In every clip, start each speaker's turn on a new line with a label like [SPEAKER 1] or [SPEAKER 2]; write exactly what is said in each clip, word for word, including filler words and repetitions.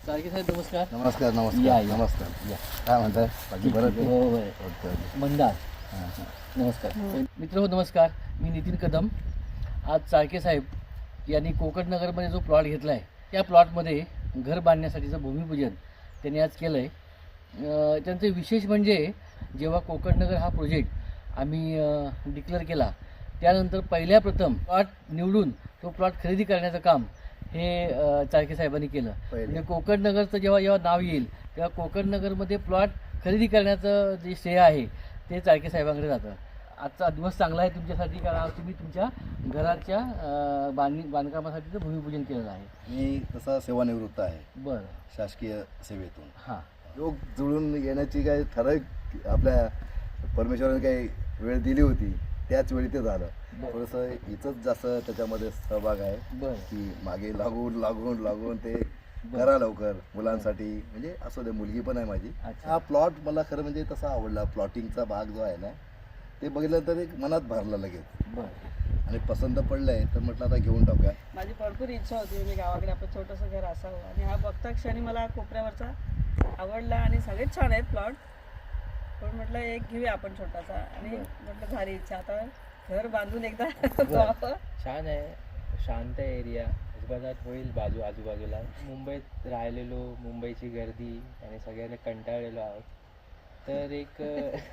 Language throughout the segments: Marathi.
[SPEAKER 1] चाळके साहेब नमस्कार.
[SPEAKER 2] नमस्कार
[SPEAKER 1] या,
[SPEAKER 2] नमस्कार
[SPEAKER 1] या.
[SPEAKER 2] नमस्कार या काय म्हणताय बाकी बरं ते?
[SPEAKER 1] हो हो
[SPEAKER 2] ओके, ओके.
[SPEAKER 1] मंदार
[SPEAKER 2] हां, हां.
[SPEAKER 1] नमस्कार मित्र हो नमस्कार. मी नितीन कदम. आज चाळके साहेब यांनी कोकणनगरमध्ये जो प्लॉट घेतला आहे त्या प्लॉटमध्ये घर बांधण्यासाठीचं भूमिपूजन त्यांनी आज केलं आहे. त्यांचं विशेष म्हणजे जेव्हा कोकणनगर हा प्रोजेक्ट आम्ही डिक्लेअर केला त्यानंतर पहिल्या प्रथम प्लॉट निवडून तो प्लॉट खरेदी करण्याचं काम हे अ, चाळके साहेबांनी केलं.
[SPEAKER 2] पहिले.
[SPEAKER 1] म्हणजे कोकणनगरचं जेव्हा जेव्हा नाव येईल तेव्हा कोकणनगरमध्ये प्लॉट खरेदी करण्याचं जे श्रेय आहे ते चाळके साहेबांकडे जातं. आजचा दिवस चांगला आहे तुमच्यासाठी कारण आज तुम्ही तुमच्या घराच्या अ, बांधणी बांधकामासाठीचं भूमिपूजन केलेलं आहे.
[SPEAKER 2] मी तसा सेवानिवृत्त आहे
[SPEAKER 1] बरं
[SPEAKER 2] शासकीय सेवेतून.
[SPEAKER 1] हां
[SPEAKER 2] योग जुळून येण्याची काही ठराविक आपल्या परमेश्वराने काही वेळ दिली होती त्याच वेळी ते झालं.
[SPEAKER 1] बरं.
[SPEAKER 2] थोडंसं हिचंच जास्त त्याच्यामध्ये सहभाग आहे
[SPEAKER 1] बरं
[SPEAKER 2] की मागे लागून लागून लागून ते
[SPEAKER 1] बरं.
[SPEAKER 2] करा लवकर मुलांसाठी म्हणजे असू दे मुलगी पण आहे माझी.
[SPEAKER 1] अच्छा.
[SPEAKER 2] हा प्लॉट मला खरं म्हणजे तसा आवडला. प्लॉटिंगचा भाग जो आहे ना ते बघितल्यानंतर एक मनात भरला लगेच
[SPEAKER 1] बरं
[SPEAKER 2] आणि पसंत पडलंय तर म्हटलं आता घेऊन टाकूया.
[SPEAKER 3] माझी भरपूर इच्छा होती म्हणजे गावाकडे आपलं छोटंसं घर असावं आणि हा बघता क्षणी मला कोपऱ्यावरचा आवडला आणि सगळेच छान आहेत प्लॉट पण म्हटलं एक घेऊया आपण छोटासा आणि म्हटलं झाली इच्छा आता घर बांधून एकदा व्हावं.
[SPEAKER 4] छान आहे, शांत आहे एरिया, अजूबाजात होईल बाजू आजूबाजूला. मुंबईत राहिलेलो, मुंबईची गर्दी आणि सगळ्यांना कंटाळलेलो आहोत तर एक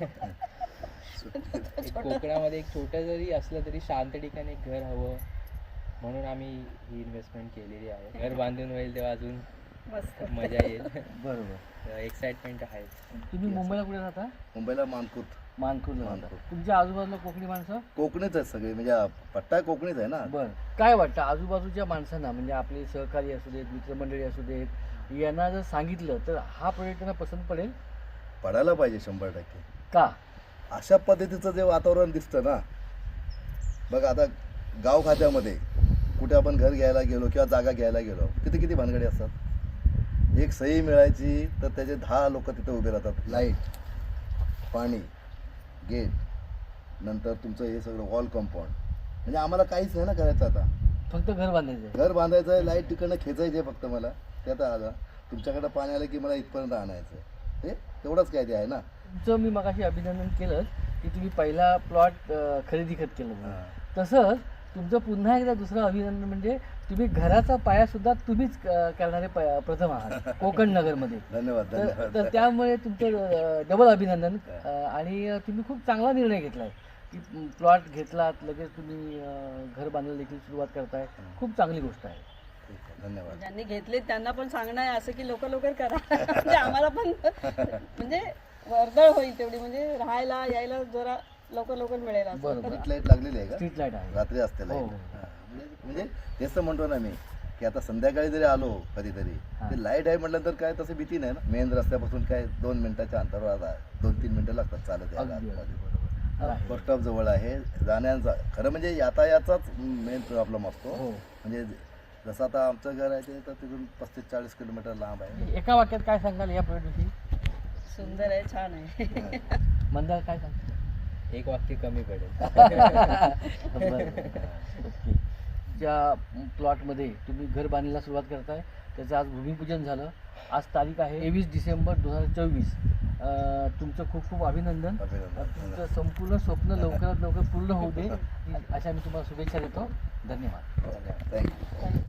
[SPEAKER 4] एक कोकणामध्ये एक छोटं जरी असलं तरी शांत ठिकाणी एक घर हवं म्हणून आम्ही ही इन्व्हेस्टमेंट केलेली आहे. घर बांधून होईल तेव्हा अजून
[SPEAKER 3] मस्त
[SPEAKER 4] मजा येईल.
[SPEAKER 1] बरोबर.
[SPEAKER 4] एक्साइटमेंट आहे.
[SPEAKER 1] तुम्ही मुंबईला कुठे राहता?
[SPEAKER 2] मुंबईला मानकुत
[SPEAKER 1] मानखुर्दला राहता.
[SPEAKER 2] मानखुर्द.
[SPEAKER 1] तुमच्या आजूबाजूला कोकणी माणसं?
[SPEAKER 2] कोकणीच आहेत सगळे म्हणजे पट्टा कोकणीच आहे ना.
[SPEAKER 1] बरं काय वाटतं आजूबाजूच्या माणसांना म्हणजे आपले सहकारी असू देत मित्रमंडळी असू देत यांना जर सांगितलं तर हा प्रोजेक्ट त्यांना पसंत पडेल
[SPEAKER 2] पडायला पाहिजे शंभर टक्के.
[SPEAKER 1] का?
[SPEAKER 2] अशा पद्धतीचं जे वातावरण दिसतं ना बघ आता गाव खात्यामध्ये कुठे आपण घर घ्यायला गेलो किंवा जागा घ्यायला गेलो तिथे किती भानगडी असतात. एक सही मिळायची तर त्याचे दहा लोक तिथे उभे राहतात. लाईट पाणी गेट नंतर तुमचं हे सगळं वॉल कंपाऊंड म्हणजे आम्हाला काहीच नाही ना करायचं. आता
[SPEAKER 1] फक्त घर बांधायचं आहे.
[SPEAKER 2] घर बांधायचं आहे लाईट तिकडनं खेचायचे फक्त मला त्यात आलं तुमच्याकडं पाणी आलं की मला इथपर्यंत आणायचं हे तेवढंच काय ते आहे ना.
[SPEAKER 1] तुमचं मी मगाशी अभिनंदन केलं की तुम्ही पहिला प्लॉट खरेदी खत केलं म्हणून. तसंच तुमचं पुन्हा एकदा दुसरं अभिनंदन म्हणजे तुम्ही घराचा पाया सुद्धा तुम्हीच अ, करणारे प- प्रथम आहात कोकण नगरमध्ये.
[SPEAKER 2] धन्यवाद
[SPEAKER 1] तर
[SPEAKER 2] धन्यवाद.
[SPEAKER 1] तर त्यामुळे तुमचं डबल अभिनंदन. अ, आणि तुम्ही खूप चांगला निर्णय घेतलाय की प्लॉट घेतलात लगेच तुम्ही अ, घर बांधायला देखील सुरुवात करताय. खूप चांगली गोष्ट आहे.
[SPEAKER 2] ठीक आहे, धन्यवाद.
[SPEAKER 3] ज्यांनी घेतले त्यांना पण सांगणं आहे असं की लवकर लवकर करा म्हणजे आम्हाला पण म्हणजे वर्दळ होईल तेवढी म्हणजे राहायला यायला जरा लवकर लवकर मिळेल असं.
[SPEAKER 1] बरोबर.
[SPEAKER 2] स्ट्रीट लाईट लागलेली आहे का?
[SPEAKER 1] स्ट्रीट लाईट आहे.
[SPEAKER 2] रात्री असते
[SPEAKER 1] हो,
[SPEAKER 2] लाईट.
[SPEAKER 1] हो.
[SPEAKER 2] हां, म्हणजे म्हणजे तेच तर म्हणतो ना मी की आता संध्याकाळी जरी आलो कधीतरी
[SPEAKER 1] हां.
[SPEAKER 2] ते लाईट आहे म्हटलं तर काय तसं भीती नाही ना. मेन रस्त्यापासून काय दोन मिनिटाच्या अंतरावर आता दोन तीन मिनिटं लागतात चालत यायला
[SPEAKER 1] अगदी अगदी
[SPEAKER 2] आतमध्ये.
[SPEAKER 1] बरोबर आहे.
[SPEAKER 2] बस स्टॉप जवळ आहे जाण्याचा खरं म्हणजे यातायाचाच मेन प्रॉब्लेम असतो.
[SPEAKER 1] हो.
[SPEAKER 2] म्हणजे जसं आता आमचं घर आहे ते तर तिथून पस्तीस चाळीस किलोमीटर लांब आहे.
[SPEAKER 1] एका वाक्यात काय सांगाल या प्रोजेक्टविषयी?
[SPEAKER 3] सुंदर आहे छान आहे.
[SPEAKER 1] मंदार काय सांगता?
[SPEAKER 4] एक वाक्य कमी पडेल.
[SPEAKER 1] बरं. ओके. ज्या प्लॉटमध्ये तुम्ही घर बांधायला सुरुवात करताय त्याचं आज भूमिपूजन झालं. आज तारीख आहे तेवीस डिसेंबर दोन हजार चोवीस. तुमचं खूप खूप अभिनंदन.
[SPEAKER 2] अभिनंदन.
[SPEAKER 1] तुमचं संपूर्ण स्वप्न लवकरात लवकर पूर्ण होऊ दे अशा मी तुम्हाला शुभेच्छा देतो. धन्यवाद.
[SPEAKER 2] थँक्यू.